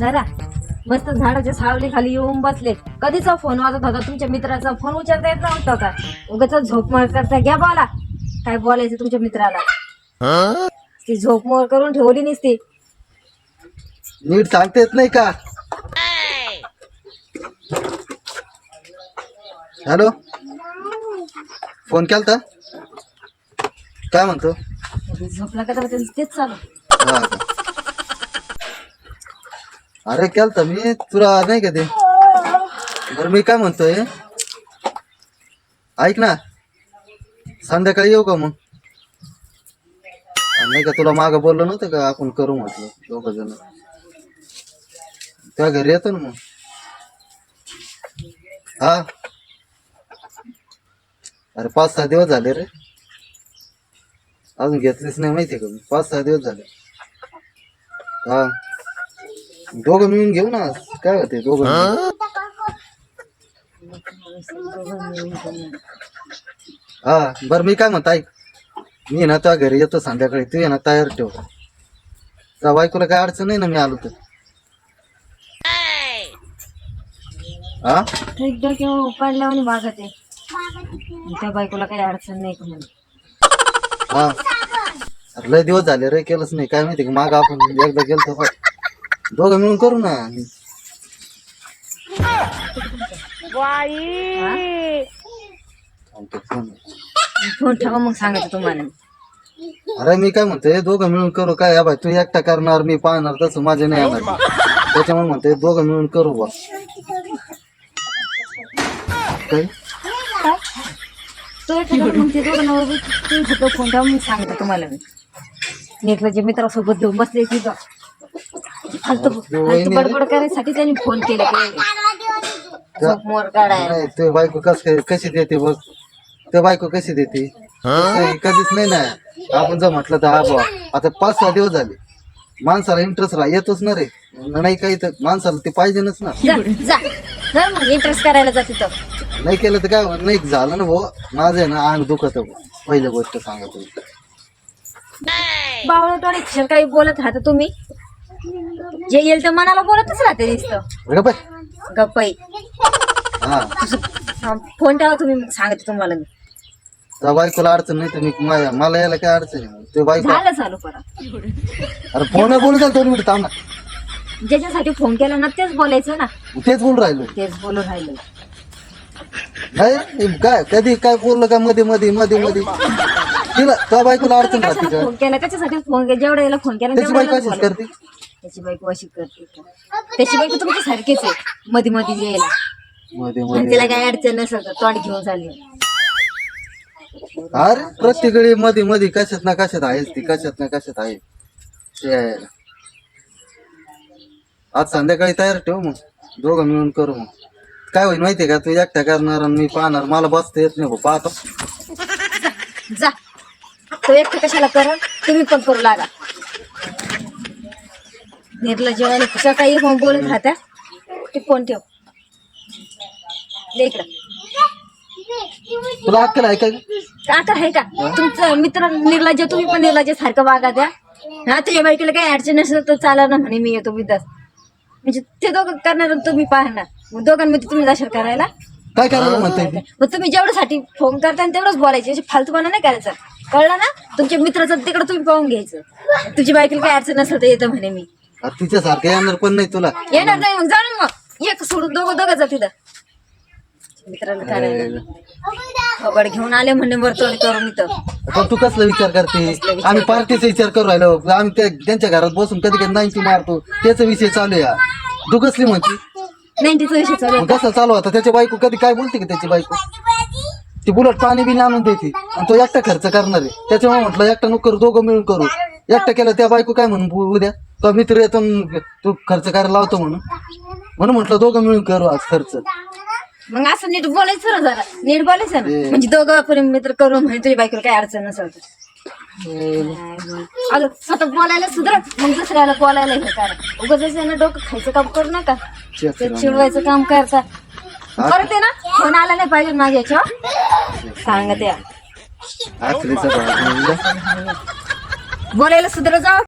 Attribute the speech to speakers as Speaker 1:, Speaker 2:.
Speaker 1: जरा मस्त झाडाच्या सावली खाली येऊन बसले. कधीचा फोन वाजत होता तुमच्या मित्राचा, फोन उचलता येत नव्हता का? उगाच झोपमोड करता. घ्या बोला, काय बोलायचं तुमच्या मित्राला. ती झोपमोड करून ठेवली नसती.
Speaker 2: नीट सांगता येत नाही का? हॅलो, फोन केलता? काय म्हणतो?
Speaker 1: झोपला का? तर तेच चालू.
Speaker 2: हा का? अरे केलता मी तुला नाही का ते. बरं मी काय म्हणतोय, ऐक ना, संध्याकाळी येऊ का मग? नाही का तुला मागं बोललो नव्हतं का आपण करू म्हटलं दोघ जण. त्या घरी येतो ना मग. हा अरे 5-6 दिवस झाले रे, अजून घेतलीच नाही माहितीये का? 5-6 दिवस झाले. हा दोघं मिळून घेऊ ना, काय होते दोघं मिळून. हा बरं मी काय म्हणतो ऐक, मी ना तुझ्या घरी येतो संध्याकाळी, तू ये ना तयार ठेव. त्या बायकोला काय अडचण नाही ना मी आलो तर? हा
Speaker 1: एकदा किंवा पडल्यावर वागत आहे. त्या बायकोला काही अडचण नाही का म्हणून.
Speaker 2: हा अरे लय दिवस झाले रे, केलंच नाही. काय माहिती का माग आपण एकदा गेलतो बघ. दोघं मिळून करू ना.
Speaker 1: फोन ठेवा मग सांगायचं तुम्हाला.
Speaker 2: अरे मी काय म्हणतोय, दोघं मिळून करू. काय या बाय तू एकटा करणार, मी पाहणार, तसं माझे नाही येणार. त्याच्यामुळे म्हणतोय दोघं मिळून करू बा. काय
Speaker 1: तो मग ते दोघं फोन ठेवा मग सांगतो तुम्हाला. मी नेटला जे मित्रासोबत घेऊन बसले तिथं फालतू बडबड करायसाठी त्यांनी फोन केला. मोर काढायला
Speaker 2: नाही ते बायको कशी देते बघ. ते बायको कशी देते कधीच नाही ना. आपण जर म्हटलं तर हा बा, आता 5-6 दिवस झाले, माणसाला इंटरेस्ट येतोच ना रे. नाही काही तर माणसाला ते पाहिजेच ना.
Speaker 1: जा मग इंटरेस्ट करायला जा तिथं.
Speaker 2: नाही केलं तर काय नाही झालं ना भाऊ. माझं आहे ना अंग दुखत. पहिली गोष्ट सांगतो,
Speaker 1: बावळटवाडी क्षण काही बोलत राहता तुम्ही. जे येईल तर मनाला बोलतच राहते नुसतं गप्पाई.
Speaker 2: हा
Speaker 1: फोन ठेवा तुम्ही, सांगते तुम्हाला. मी
Speaker 2: त्या बायकोला अडचण नाही तर मी मला यायला काय अडचण आहे? ते बायको
Speaker 1: झालं चालू परत.
Speaker 2: अरे फोन बोलू द्या 2 मिनिट थांब ना.
Speaker 1: ज्याच्यासाठी फोन केला ना तेच बोलायचं ना.
Speaker 2: तेच बोलून राहिलो.
Speaker 1: तेच बोलून राहिलं.
Speaker 2: नाही काय कधी काय बोललं का मध्ये मध्ये मध्ये मध्ये तिला त्या बायकोला अडचण राहते का?
Speaker 1: फोन केला त्याच्यासाठी फोन केला. जेवढा याला फोन केला
Speaker 2: त्याची बायको अशीच करते.
Speaker 1: त्याची बायको अशी करते का? त्याची बायको तुमच्या सारखीच आहे, मध्ये मध्ये यायला.
Speaker 2: मध्ये
Speaker 1: आणि
Speaker 2: मध्ये
Speaker 1: तिला काय अडचण नसत, तोंड घेऊन चालली.
Speaker 2: अरे प्रत्येक वेळी मध्ये मध्ये कशात ना कशात आहेच ती, कशात ना कशात आहे. आज संध्याकाळी तयार ठेव मग, दोघं मिळून करू. मग काय होईल माहितीये का, तू एकटा करणार आणि मी पाहणार. मला बसता येत नाही भाऊ, पाहतो.
Speaker 1: जा तो एकटं कशाला करा, तुम्ही पण करू लागा. निर्ला जेवायला सकाळी फोन बोलत राहत्या. ते फोन ठेव इकडं.
Speaker 2: तुला अक्कल आहे काय?
Speaker 1: आता आहे का तुमचं मित्र निर्लज्ज? तुम्ही पण निर्लज्ज सारखं वागा द्या. हा तुझ्या बायकोला काही अडचण नसेल तर चाला ना म्हणे, मी येतो विदास. म्हणजे ते दोघं करणार आणि तुम्ही पाहणार. मग दोघांमध्ये तुम्ही जाशाल करायला.
Speaker 2: काय करायला म्हणते?
Speaker 1: मग तुम्ही जेवढ्यासाठी फोन करता तेवढंच बोलायचे, फालतूपणा नाही करायचं. कळलं ना? तुमच्या मित्राचं तिकडं तुम्ही पाहून घ्यायचं. तुझी बायकोला काही अडचण नसेल तर येतं म्हणे मी.
Speaker 2: तिच्यासारखं येणार पण नाही तुला.
Speaker 1: येणार नाही मग जाणून मग एक सोडून दोघं जा तिथं मित्राला करायला. खबर घेऊन आले म्हणे वर्तवण करून इथं.
Speaker 2: पण तू कसला विचार करते? आम्ही पार्टीचा विचार करू राहिलो. आम्ही त्यांच्या घरात बसून कधी कधी 90 मारतो. त्याचा विषय चालू आहे. तू कसली म्हणते?
Speaker 1: 90चा विषय चालू आहे.
Speaker 2: कसा चालू होता? त्याची बायको कधी काय बोलते का? त्याची बायको ती बुलट पाणी बिणी आणून देते आणि तो एकटा खर्च करणार आहे. त्याच्यामुळे म्हटलं एकटा नको करू, दोघं मिळून करू. एकटा केलं त्या बायको काय म्हणून उद्या तो मित्र येतो तू खर्च करायला लावतो म्हणून म्हटलं दोघं मिळून करू आज खर्च.
Speaker 1: मग असं नीट बोलायचं ना, जरा नीट बोलायचं ना. म्हणजे दोघं आपण मित्र करून म्हणे तुझ्या बायकोला काही अडचण नसेल तर. अगं स्वतः बोलायला सुधरा, मग दुसऱ्याला बोलायला हे करा. उगाच ना डोकं खायचं काम करू नका, ते चिडवायचं काम करता. परत आहे ना फोन आला नाही पाहिजे माझ्या याच्यावर, सांगा त्या
Speaker 2: आखरीचा भाग
Speaker 1: बोलायला सुधरा. जाऊ